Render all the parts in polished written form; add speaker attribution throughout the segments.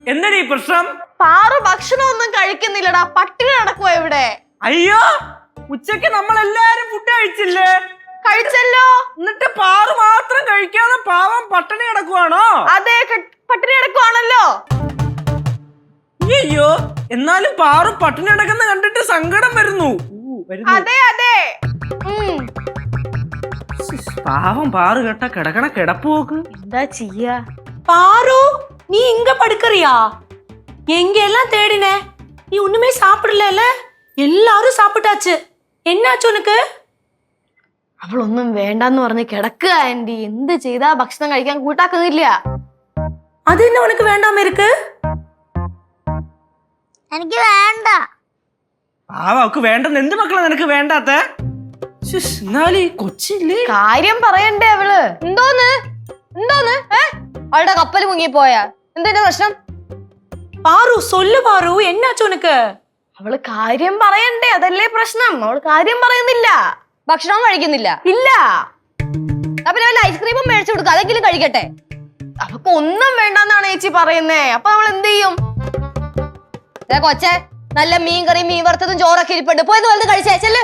Speaker 1: എന്താണ് ഈ പ്രശ്നം?
Speaker 2: പാറു ഭക്ഷണം ഒന്നും കഴിക്കുന്നില്ലടാ, പട്ടിണി നടക്കുവാ ഇവിടെ.
Speaker 1: അയ്യോ, ഉച്ചക്ക് നമ്മൾ എല്ലാരും ഫുഡ് കഴിച്ചില്ലേ?
Speaker 2: കഴിച്ചല്ലോ.
Speaker 1: എന്നിട്ട് പാറു മാത്രം കഴിക്കാതെ പാവം പട്ടിണി കിടക്കുവാണോ?
Speaker 2: അതെ, പട്ടിണി കിടക്കുവാണല്ലോ.
Speaker 1: അയ്യോ, എന്നാലും പാറു പട്ടിണി കിടക്കുന്ന കണ്ടിട്ട് സങ്കടം വരുന്നു.
Speaker 2: അതെ അതെ.
Speaker 1: പാവം പാറു കേട്ട കിടക്കണ കിടപ്പ് നോക്ക്.
Speaker 2: എന്താ ചെയ്യാ?
Speaker 3: பாரு, நீ இங்க படுக்கறியா? எங்க எல்லாம் தேடின, நீ ஒண்ணுமே சாப்பிடல. எல்லாரும் சாப்பிட்டாச்சு. என்னாச்சு உனக்கு?
Speaker 2: അവളൊന്നും വേണ്ടെന്ന് പറഞ്ഞ് കിടക്കുക ആന്റി. എന്ത് ചെയ്താ ഭക്ഷണം കഴിക്കാൻ കൂട്ടാക്കുന്നില്ല.
Speaker 3: அது என்ன உனக்கு வேண்டாம இருக்கு?
Speaker 2: എനിക്ക് വേണ്ട.
Speaker 1: അവക്ക് വേണ്ടെന്ന് എന്ത് മക്കളെ നിനക്ക് വേണ്ടാത്ത? കൊച്ചില്ലേ
Speaker 2: കാര്യം പറയണ്ടേ അവള്? എന്തോന്ന് അവളുടെ കപ്പൽ മുങ്ങിപ്പോയാ? എന്തിന്റെ പ്രശ്നം?
Speaker 3: பாரு, சொல்லு பாரு, என்னாச்சு உனக்கு?
Speaker 2: അവള് കാര്യം പറയണ്ടേ, അതല്ലേ പ്രശ്നം. അവള് കാര്യം പറയുന്നില്ല.
Speaker 4: ഭക്ഷണം കഴിക്കുന്നില്ല.
Speaker 2: ഇല്ല.
Speaker 4: പിന്നെ വല്ല ഐസ്ക്രീമും മേടിച്ചു കൊടുക്കുക, അതെങ്കിലും കഴിക്കട്ടെ.
Speaker 2: അവക്ക് ഒന്നും വേണ്ടെന്നാണ് ചേച്ചി പറയുന്നേ. അപ്പൊ നമ്മൾ എന്ത് ചെയ്യും?
Speaker 4: കൊച്ചെ, നല്ല മീൻ കറിയും മീൻ വറുത്തതും ചോറൊക്കെ ഇരിപ്പുണ്ട്, പോയത് വലുത് കഴിച്ചേ ചെല്ല്.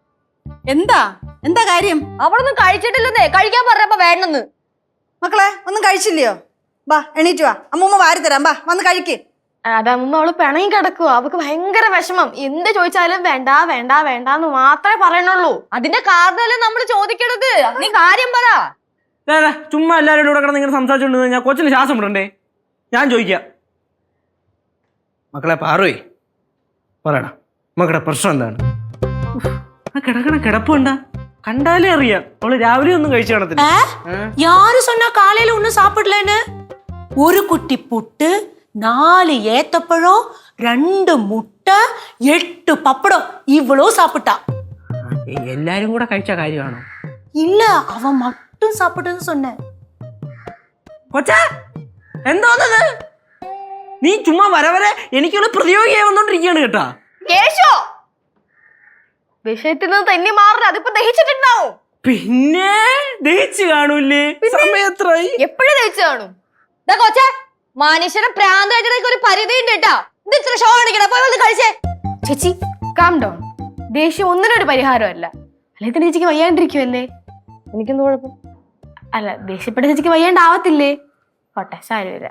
Speaker 5: എന്താ കാര്യം?
Speaker 4: അവളൊന്നും കഴിച്ചിട്ടില്ലെന്നേ, കഴിക്കാൻ പറഞ്ഞപ്പോ വേണ്ടെന്ന്.
Speaker 5: മക്കളെ ഒന്നും കഴിച്ചില്ലയോ? ബാ എണീറ്റ് വാ, അമ്മൂമ്മ വാരി തരാം. ബാ വന്ന് കഴിക്ക്.
Speaker 2: അതമ്മ അവള് പിണങ്ങി കിടക്കുക. അവക്ക് ഭയങ്കര വിഷമം. എന്ത് ചോദിച്ചാലും വേണ്ട വേണ്ട വേണ്ടാന്ന് മാത്രമേ പറയണുള്ളൂ.
Speaker 4: അതിന്റെ കാരണമല്ലേ നമ്മൾ ചോദിക്കണത്. നീ കാര്യം പറ.
Speaker 1: ചുമ്മാ എല്ലാവരും കൂടെ കിടന്ന് ഇങ്ങനെ സംസാരിച്ചോണ്ട് ഞാൻ കൊച്ചിന് ശ്വാസം വിടണ്ടേ? ഞാൻ ചോദിക്കാം. മക്കളെ പാറുവേ, പറയടാ മക്കളുടെ പ്രശ്നം എന്താണ്? കിടക്കണ കിടപ്പുണ്ടാ കണ്ടാലേ അറിയാം അവള് രാവിലെ ഒന്നും കഴിച്ചു കാണത്തില്ല.
Speaker 3: யாரு சொன்னா காலையில ஒண்ணும் சாப்பிடலன்னு? ஒரு குட்டி புட்டு, 4 ஏத்தப்பழம், 2 முட்டை, 8 பப்படம், இவ்வளோ சாப்பிட்டா.
Speaker 1: എല്ലാരും കൂടെ കഴിച്ച കാര്യമാണോ?
Speaker 3: இல்ல, அவன் மட்டும் சாப்பிட்டது சொன்னேன்.
Speaker 1: കൊച്ചാ എന്തോന്നത്? നീ ചുമ്മാ വരെ എനിക്കുള്ള പ്രതിയോഗിയായി വന്നോണ്ടിരിക്കുകയാണ് കേട്ടാ.
Speaker 2: കേശോ, വിഷയത്തിൽ നിന്ന് തന്നെ മാറില്ല. അതിപ്പോ ദഹിച്ചിട്ടുണ്ടാവും.
Speaker 1: പിന്നെ ദഹിച്ചു കാണൂല്ലേ? സമയത്രായി
Speaker 2: എപ്പോഴും ദഹിച്ചു കാണും.
Speaker 4: കൊച്ചെ, മനുഷ്യനെ പ്രാന്തായിട്ട് ഒരു പരിധി ഉണ്ട് കേട്ടാ. ഇത് ഇത്ര ഷോ കാണിക്കണം, പോയി വന്ന് കഴിച്ചേ.
Speaker 2: ചേച്ചി കാം ഡൗൺ. ദേഷ്യം ഒന്നിനൊരു പരിഹാരമല്ല. അല്ലെങ്കിൽ തന്നെ ചേച്ചിക്ക് വയ്യാണ്ടിരിക്കുമല്ലേ? എനിക്കെന്ത് കുഴപ്പം? അല്ല, ദേഷ്യപ്പെട്ട ചേച്ചിക്ക് വയ്യാണ്ടാവത്തില്ലേ? കോട്ടെ, സാരമില്ല.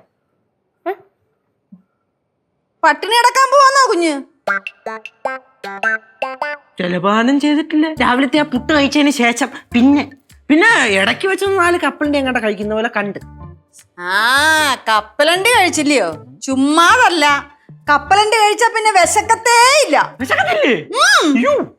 Speaker 5: പട്ടിണി കിടക്കാൻ പോവാന്നോ കുഞ്ഞ്?
Speaker 1: ജലപാനം ചെയ്തിട്ടില്ല. രാവിലത്തെ ആ പുട്ട് കഴിച്ചതിന് ശേഷം പിന്നെ ഇടയ്ക്ക് വെച്ച് 4 കപ്പലിന്റെ എങ്ങോട്ടാ കഴിക്കുന്ന പോലെ കണ്ട്.
Speaker 5: കപ്പലണ്ടി കഴിച്ചില്ലയോ? ചുമ്മാതല്ല, കപ്പലണ്ടി കഴിച്ചാ പിന്നെ വിശക്കത്തേ ഇല്ല.
Speaker 1: വിശക്കത്തില്ലേ?